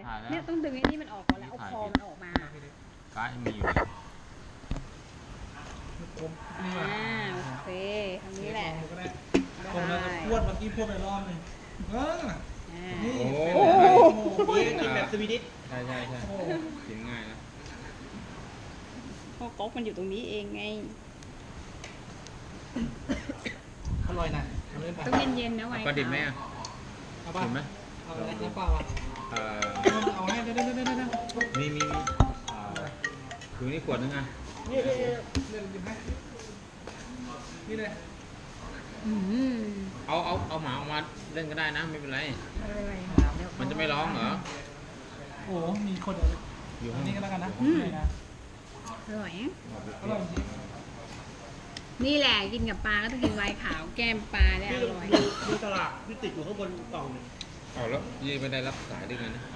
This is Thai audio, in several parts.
เนี่ยต้องดึงไอ้นี่มันออกก่อนแล้วเอาคอมันออกมาก้ามีอยู่โอเคทางนี้แหละผมเราจะพูดเมื่อกี้พูดไปรอบนึงนี่โอ้โหกินแบบสวีดิชใช่กินง่ายนะเพราะก๊อกมันอยู่ตรงนี้เองไงอร่อยนะต้องเย็นๆนะไว้ปลาดิบไหมอ่ะดิบไหมเอาอะไรน้ำเปล่าอ่ะเอาให้ได้มีคือนี่ขวดนึงอ่ะนี่หยิบให้นี่เลยเอาหมาออกมาเล่นก็ได้นะไม่เป็นไรมันจะไม่ร้องเหรอโอ้มีคนอยู่ตรงนี้ก็แล้วกันนะอร่อยจริงนี่แหละกินกับปลาก็ต้องกินไวน์ขาวแก้มปลาได้อร่อยดูตลาดที่ติดอยู่ข้างบนกล่องนึงเอาแล้วยี่ไม่ได้รับสายด้วยกันนะ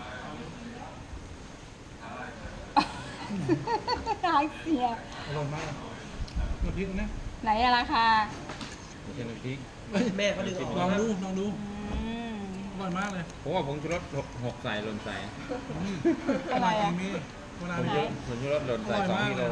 ตายเสียอร่อยมากน้ำพริกนะไหนอะราคาไม่ใช่น้ำพริกแม่เขาดึงลองดูอร่อยมากเลยผมว่าผงชูรส6ใส่หล่นใส่อะไรอะผงชูรสหล่นใส่2 กิโล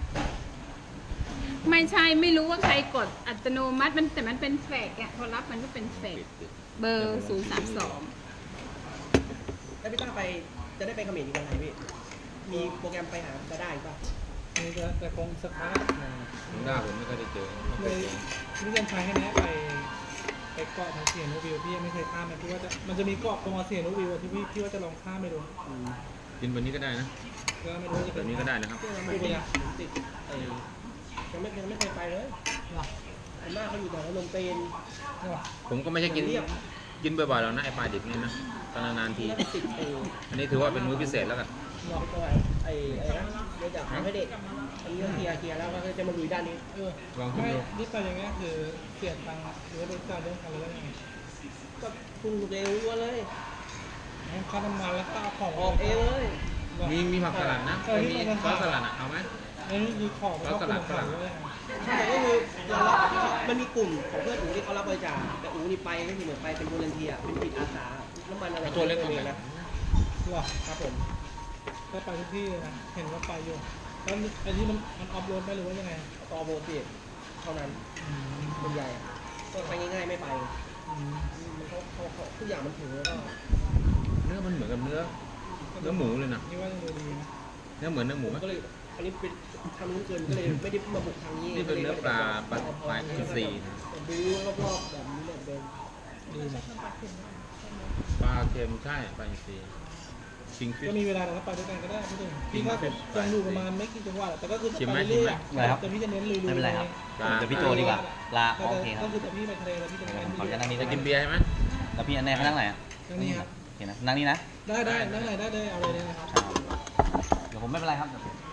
ไม่ใช่ไม่รู้ว่าใครกดอัตโนมัติมันแต่มันเป็นแฟกอะพอรับมันก็เป็นแฟกเบอร์032 แล้วพี่ต้าไปจะได้ไปเขมรอีกวันไหนพี่มีโปรแกรมไปหาจะได้ป่ะมีแต่คงสักพักผมได้ผมไม่เคยได้เจอเลยนี่เดินทางแค่นี้ไปเกาะทางเสียโนวิวพี่ยังไม่เคยข้ามนะพี่ว่าจะมันจะมีเกาะตรงเสียโนวิวที่พี่ว่าจะลองข้ามไปดูกินวันนี้ก็ได้นะแบบนี้ก็ได้นะครับติดยังไม่เคยไปเลยอันมากเขาอยู่แต่ลงเตนผมก็ไม่ใช่กินบ่อยๆแล้วนะไอปลาดิบนี่นะตอนนานๆทีอันนี้ถือว่าเป็นมื้อพิเศษแล้วกันไอ้เดี๋ยวจะทำให้เด็กอันนี้เคลียร์แล้วก็จะมาลุยด้านนี้ลองดูนี่ไปอย่างเงี้ยคือเสียตังค์หรือว่าเป็นการเรื่องอะไรยังไงก็ปรุงเร็วเลยค่าน้ำมันแล้วก็ของออกเองเลยมีผักสลัดนะมีซอสสลัดเอาไหมนี่คือของซอสสลัดฝรั่งใช่ก็คือเรารับมันมีกลุ่มของเพื่อนอูที่เขารับบริจาคแต่อูนี่ไปก็คือเหมือนไปเป็นวอลันเทียร์เป็นจิตอาสาน้ำมันอะไรตัวเล็กตรงไหนนะหรอครับผมก็ไปทุกที่นะเห็นว่าไปอยู่แล้วอันนี้มันออฟโรดไหมหรือว่ายังไงออฟโรดสิเท่านั้นส่วนใหญ่ก็ไปง่ายๆไม่ไปมันเขาทุกอย่างมันถึงแล้วก็เนื้อมันเหมือนกับเนื้อหมูเลยนะนี่ว่าจะดีนะเนื้อเหมือนเนื้อหมูไหมก็เลยอันนี้เป็นทำนู้นเกินก็เลยไม่ได้มาบุกทางนี้นี่เป็นเนื้อปลาอินทรีดูรอบๆแบบนี้แบบเดิมดีนะปลาเค็มใช่ปลาอินทรีชิงฟิชก็มีเวลาเราไปด้วยกันก็ได้พี่ถึงพี่ก็ยังดูประมาณไม่กี่จังหวัดแต่ก็คือไปเรื่อยๆแต่พี่จะเน้นลุยๆไม่เป็นไรครับเดี๋ยวพี่โจดีกว่าลาโอเคครับก็คือแต่พี่ไปทะเลแล้วพี่จะขอจะนั่งนี้จะกินเบียร์ใช่ไหมแล้วพี่อันแน่เขานั่งไหนอ่ะนั่งนี่ครับเห็นนะนั่งนี่นะได้นั่งไหนได้เลยเอาเลยนะครับเดี๋ยวผมไม่เป็นไรครับ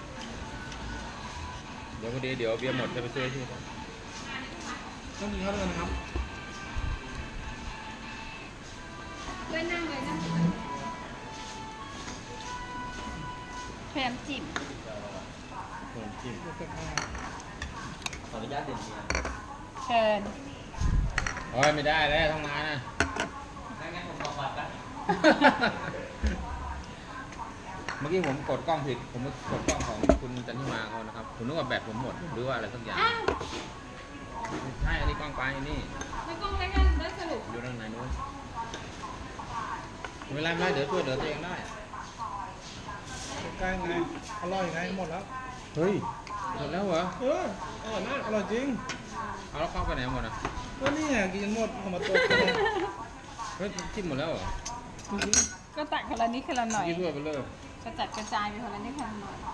เดี๋ยวพอดีเดี๋ยวเบียร์หมดจะไปช่วยที่ต้องกินข้าวด้วยนะครับด้วยนั่งเลยนะพยายามจิ้มขออนุญาตเด่นเบียร์เชิญโอ้ยไม่ได้แล้วต้องมานะงั้นผมขอบัตรนะเมื่อกี้ผมกดกล้องผิดผมกดกล้องของคุณจันทิมาเขานะครับผมนึกว่าแบตผมหมดหรือว่าอะไรสักอย่างใช่อันนี้กล้องไปนี่แล้วกล้องอะไรกันได้สรุปอยู่ด้านไหนนู้นไม่เป็นไรเดี๋ยวช่วยเหลือตัวเองได้ใกล้ไงอร่อยไงหมดแล้วเฮ้ยหมดแล้วเหรออร่อยมากอร่อยจริงเอาแล้วเข้าไปไหนหมดอ่ะก็นี่ไงกินหมดของมาตัวเฮ้ยจิ้มหมดแล้วเหรอก็ตักคนละนิดคนละหน่อยกินด้วยไปเลยกระจัดกระจายไปคนละนิดคนละหน่อย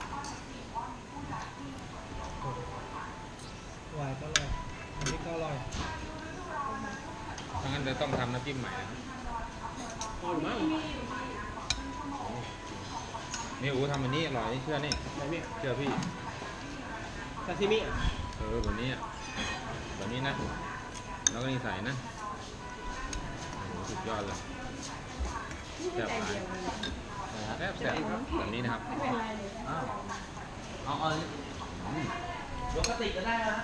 หวานก็อร่อยอันนี้ก็อร่อยถ้างั้นจะต้องทำน้ำจิ้มใหม่นะอร่อยมากนี่อู๋ทำอันนี้อร่อยนี่เชื่อนี่เชื่อพี่ซาซิมิแบบนี้แบบนี้นะแล้วก็นี่ใส่นะโอ้สุดยอดเลยแซ่บไปแซ่บแบบนี้นะครับเอายกกระติกก็ได้นะ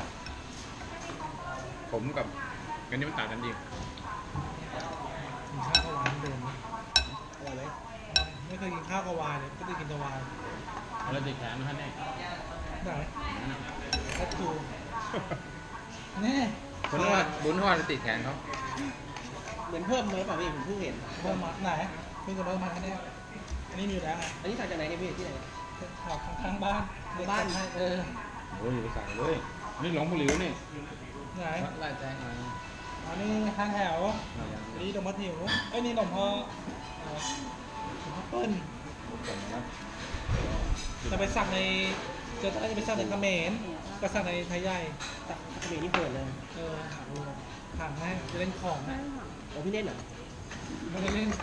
ผมกับกันนี้มันต่างกันจริงข้าวหวานเดิมอร่อยไหมไม่เคยกินข้าวกับวายเลยก็จะกินแต่วายเราติดแขนนะครับเนี่ยไหนแอดทูนี่บุญทอดติดแขนเขาเหมือนเพิ่มเลยเปล่าพี่ผมเพิ่งเห็นเพิ่มมาไหนเพิ่งจะเพิ่มมาแค่นี้อันนี้มีอยู่แล้วไงอันนี้สั่งจากไหนเนี่ยพี่ที่ไหนออกข้างบ้านบ้านเออโอ้ยอยู่ไปสั่งเลยนี่หลงบุหรี่นี่ไหนไล่แจ้งอะไรอันนี้ห้างแถวอันนี้นมมัดหิวไอ้นี่นมพ่อเปิ้ลจะไปสั่งในจะไปสั่งในเขมรก็สั่งในไทยใหญ่เขมรนี่เปิดเลยถามให้จะเล่นของนะโอ้พี่เล่นเหรอไม่ได้เล่น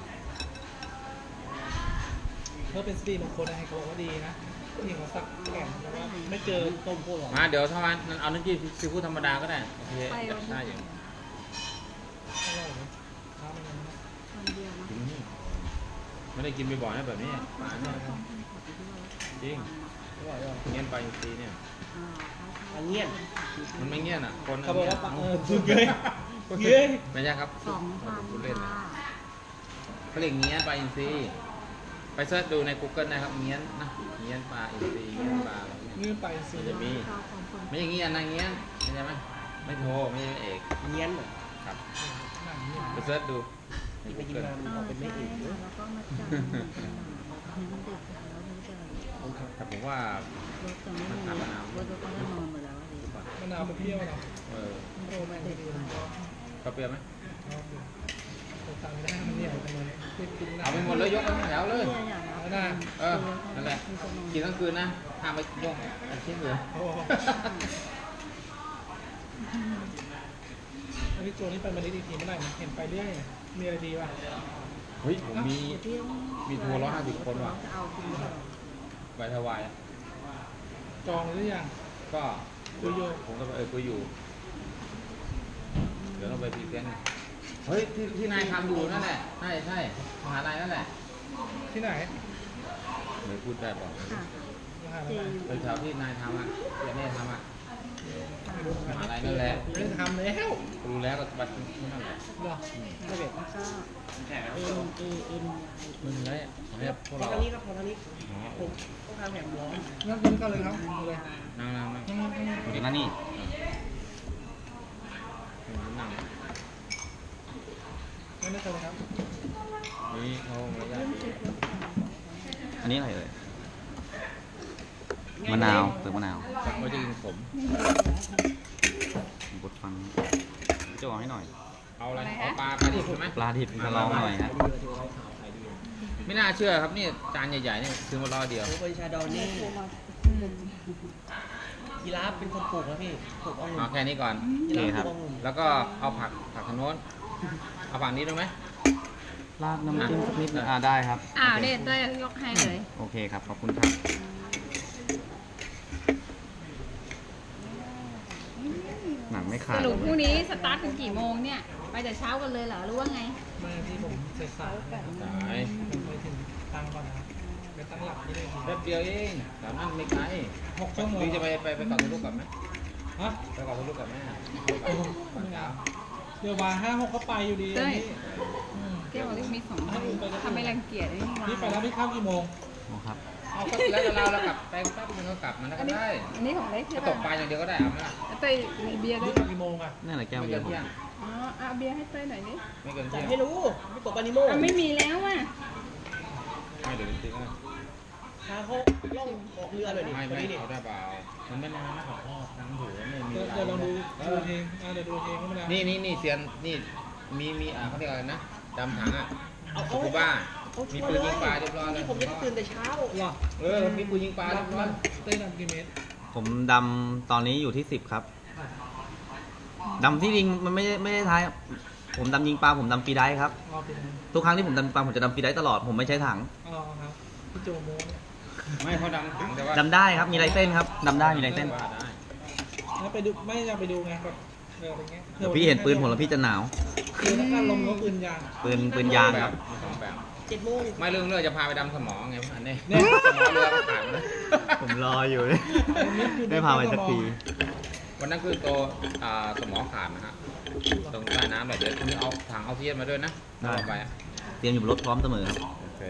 เพื่อเป็นสตรีมงคลอะไรเขาบอกว่าดีนะที่เขาสักแข่งแล้วว่าไม่เจอต้มโคตรหรอมาเดี๋ยวถ้าวันเอาน้ำจิ้มซีฟู้ดธรรมดาก็ได้โอเคได้อยู่อร่อยเลยข้าวมันนะคนเดียวนะกินนี่ไม่ได้กินบ่อยๆนะแบบนี้ปลาเนี่ยจริงอร่อยอ่ะเงี้ยนปลาอินทรีเนี่ยอันเงี้ยมันไม่เงี้ยนอ่ะคนเขาบอกว่าสุดเลยเย้ยไม่ใช่ครับ 2,000 พูดเล่นค่ะเขาเรียกเงี้ยนปลาอินทรีไปเสิร์ชดูใน Google นะครับเงี้ยนนะเงี้ยนปลาอินทรีเงี้ยนปลาอะไรเนี่ยนี่ไปสิมันจะมีไม่อย่างเงี้ยนะเงี้ยนใช่ไหมไม่โทรไม่ใช่เอกเงี้ยนเหรอครับหนังเนี่ยไปเสิร์ชดูในไปกิน Google มามันออกเป็นไม่เอกแล้วก็มาจ่ายมันเด็กแล้วมันจะแต่ผมว่ารถจะไม่มีรถก็ได้นอนหมดแล้วสิมะนาวเปรี้ยวเหรอเออโอ้ไม่ได้ดีเลยก็เปรี้ยวไหมผมสั่งไม่ได้มันเหนียวจังเลยกินเอาไปหมดเลยยกกันแถวเลยนะเออนั่นแหละกินทั้งคืนนะห้ามไปยกชิ้นเลยโอ้อันนี้โจนี่ไปมาลิอีกทีเมื่อไหร่เห็นไปเรื่อยมีอะไรดีป่ะเฮ้ยผมมีทัวร์150 คนว่ะจะเอาจริงเหรอไปถวายจองหรือยังก็คุยอยู่ผมก็คุยอยู่เดี๋ยวเราไปพรีเซนต์เฮ้ยที่นายทำอยู่นั่นแหละใช่มหาลัยนั่นแหละที่ไหนไม่พูดได้บอกค่ะมหาเจลัยอยู่เป็นแถวที่นายทำอ่ะที่นี่ทำอ่ะมหาลัยนั่นแหละไม่ได้ทำแล้วรู้แล้วก็บัตรที่นั่นแหละเหรอไม่เบ็ดแล้วก็N มึงเลยเนี่ยพวกพอเราทางนี้ครับพอทางนี้อ๋อผมต้องการแหมร้อนงั้นคุณก็เลยครับเลยนั่งเดี๋ยวนะนี่นั่งไม่ได้เลยครับนี่เขาระยะดีอันนี้อะไรเอ่ยมะนาวเปลือกมะนาวเขาจะกินขมบดฟังจะบอกให้หน่อยเอาอะไรเอาปลาดิบใช่ไหมปลาดิบมาลองหน่อยฮะไม่น่าเชื่อครับนี่จานใหญ่ๆนี่ซื้อมารอเดียวโอ้เป็นชาดอนนี่ยีราฟเป็นคนปลูกนะพี่ปลูกองุ่เอานแค่นี้ก่อนยีราฟปลูกองุ่นแล้วก็เอาผักทางโน้นเอาฝั่งนี้ด้วยไหมราดน้ำจิ้มสักนิดนึงได้ครับอ้าวเด็ดด้วยยกให้เลยโอเคครับ ขอบคุณครับ หนังไม่ขาสดรุปพรุ่งนี้สตาร์ทกันกี่โมงเนี่ย ไปแต่เช้ากันเลยเหรอหรือว่าไงมาที่ผมเสร็จสายสายผมไปถึงตั้งก่อนนะไปตั้งหลักที่เลยแป๊บเดียวเองแถวนั้นไม่ไกล 6 ชั่วโมงหรือจะไปเกาะทะลุกับไหมฮะไปเกาะทะลุกับแม่โอ้โหเดี๋ยวมา5-6ก็ไปอยู่ดีเต้ยอืมเกี่ยวกับมี2ใบทำไม่รังเกียจไอ้นี่นี่ไปแล้วพี่เข้ากี่โมงโอ้ครับเอาก็แล้วเรากลับไปแป๊บนึงก็กลับมันก็ได้อันนี้ของเล็กก็ใช่ตป่ะกปลาอย่างเดียวก็ได้เอาไหมล่ะเต้ยมีเบียร์ด้วนี่ยกลับกี่โมงอ่ะนี่อะไรแก้วไม่เบียเกินร์เที่ยงอ๋อเอาเบียร์ให้เต้ยหน่อยดิไม่เกินจัเที่ดยงให้รู้ไม่ตกปานิโมไม่มีแล้วอ่ะไม่เดี๋ยวจริงๆนะพาเขาล่องออกเรือเลยดิไม่วันนี้ดิเอาได้เปล่ามันไม่นานนะขอพ่อทั้งถือไม่มีเดี๋ยวลองดูเพลงเดี๋ยวดูเพลงก็ไม่ได้นี่เซียนนี่มีเขาเรียกอะไรนะดำถังอ่ะเอาสกูบ้ามีปืนยิงปลาเรียบร้อยเลยผมจะตื่นแต่เช้าเหรอมีปืนยิงปลาเรียบร้อยเต้นกี่เมตรผมดำตอนนี้อยู่ที่ 10 ครับดำที่จริงมันไม่ได้ท้าย ผมดำยิงปลาผมดำฟรีไดฟ์ครับอ๋อเป็นทุกครั้งที่ผมดำปลาผมจะดำฟรีไดฟ์ตลอด ผมไม่ใช้ถังอ๋อครับพี่โจโมเนี่ยไม่เขาดำถังแต่ว่าดำได้ครับ มีลายเส้นครับดำได้มีลายเส้นว่าได้แล้วไปดูไม่อยากไปดูไงแบบอะไรเงี้ยเดี๋ยวพี่เห็นปืนผมแล้วพี่จะหนาวคือถ้าการลงก็ปืนยางปืนยางแบครับ บมีสองแบบ 7 โมงไม่เรื่องจะพาไปดำสมองไงอันนี้เนี่ยสมองเรือมันขาดนะผมรออยู่เลยได้พาไปสักทีวันนั้นคือตัวสมองขาดนะฮะตรงใต้น้ำแบบเดี๋ยวคุณเอาถังเอาเทียนมาด้วยนะได้เอาไปเตรียมอยู่บนรถพร้อมเสมอครับโอเคไป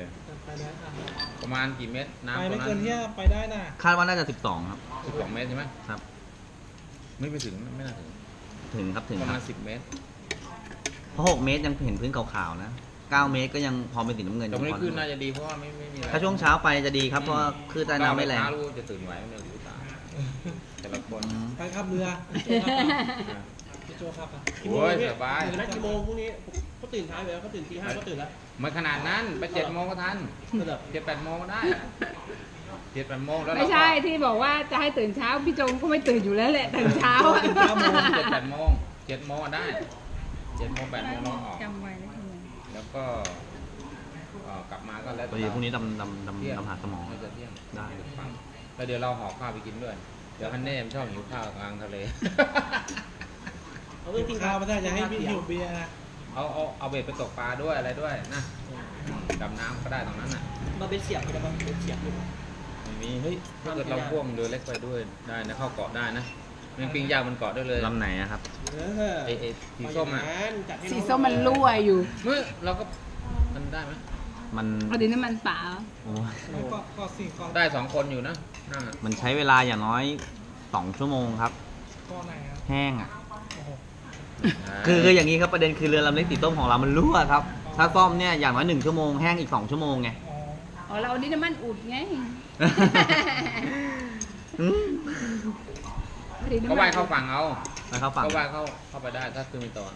ได้อ่ะประมาณกี่เมตรไปน้ำตรไม่งนั้เกินนที่ไปได้น่ะคาดว่าน่าจะ12ครับ 12 เมตรใช่ไหมครับไม่ไปถึงไม่น่าถึงถึงครับถึงประคมารัณบ 10 เมตรเพราะ6 เมตรยังเห็นพื้นขาวๆนะ9 เมตรก็ยังพอเป็นสีน้ำเงินอแต่ยู่วันนี้พอขึ้นน่าจะดีเพราะว่าไม่มีอะไรถ้าช่วงเช้าไปจะดีครับเพราะว่าคลื่นใต้น้ำไม่แรงเช้ารู้จะตื่นไหวไหมเนี่ยรู้ตาแต่ละคนอืมไปขับเรือพี่โจครับกี่โมงโอ้ยพี่สบายตื่นแล้วกี่โมงพรุ่งนี้เขาตื่นท้ายไปแล้วเขาตื่นตี 5ก็ตื่นแล้วไม่ขนาดนั้นไป7 โมงก็ทันก็แบบ 7-8 โมงก็ได้ 7-8 โมงแล้วเราไม่ก็ใช่ที่บอกว่าจะให้ตื่นเช้าพี่จงก็ไม่ตื่นอยู่แล้วแหละตื่นเช้าอะตื่น9 โมง 7-8 โมง 7 โมงอะได้ 7 โมง 8 โมงเราออกจำไว้นะคุณแล้วก็กลับมาก็แล้วพอดีพรุ่งนี้ดำเที่ยงดำหาสมองน่าจะเที่ยงได้แล้วเดี๋ยวเราห่อข้าวไปกินด้วย เดี๋ยวฮันเน่มชอบหิวข้าวกลางทะเลเขาต้องกินข้าวไม่ได้จะให้พี่หิวเบียร์นะเอาเบ็ดไปตกปลาด้วยอะไรด้วยนะดำน้ำก็ได้ตรงนั้นน่ะมาเป็นเสียบไปแล้วมาเป็นเสียบอยู่ไม่มีเฮ้ยถ้าเกิดเราพ่วงเรือเล็กไปด้วยได้นะเข้าเกาะได้นะมันปิ้งย่างมันเกาะได้เลยลำไหนอะครับไอ้สีส้มอ่ะจัดให้สีส้มมันรั่วอยู่เมื่อเราก็มันได้ไหมมันเอาดินน้ำมันเปล่าโอ้ยก็สี่ข้อได้2 คนอยู่นะนั่นน่ะมันใช้เวลาอย่างน้อย2 ชั่วโมงครับข้อไหนครับแห้งอ่ะโอ้โหคืออย่างนี้ครับประเด็นคือเรือลำเล็กสีส้มของเรามันรั่วครับ ถ้าซ่อมเนี่ยอย่างน้อย1 ชั่วโมงแห้งอีก2 ชั่วโมงไงอ๋ออ๋อเราเอาดินน้ำมันอุดไงอืมเอาดินน้ำก็มันว่ายเข้าฝั่งเอาไปเข้าฝั่งก็ว่ายเข้าไปได้ถ้าคือมีตัว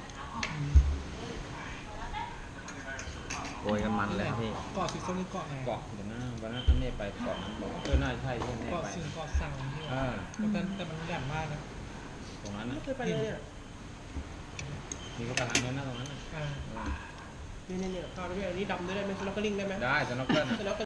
โกยกันมันเลยครับพี่เกาะสีส้มนี่เกาะไหนเกาะเดี๋ยวนะวันนั้นท่านเน่ไปเกาะนั้นบอกน่าใช่ที่เน่เกาะไปสิงเกาะสั่งที่เออแต่มันแหลมมากนะตรงนั้นนะไม่เคยไปเลยเนี่ยมีก็ไปทางนั้นนะตรงนั้นน่ะอ่าเออเนี่ยข้าวด้วยอันนี้ดำได้ไหมสน็อกเกอร์ลิงได้ไหมได้สน็อกเกิลสน็อกเกอร์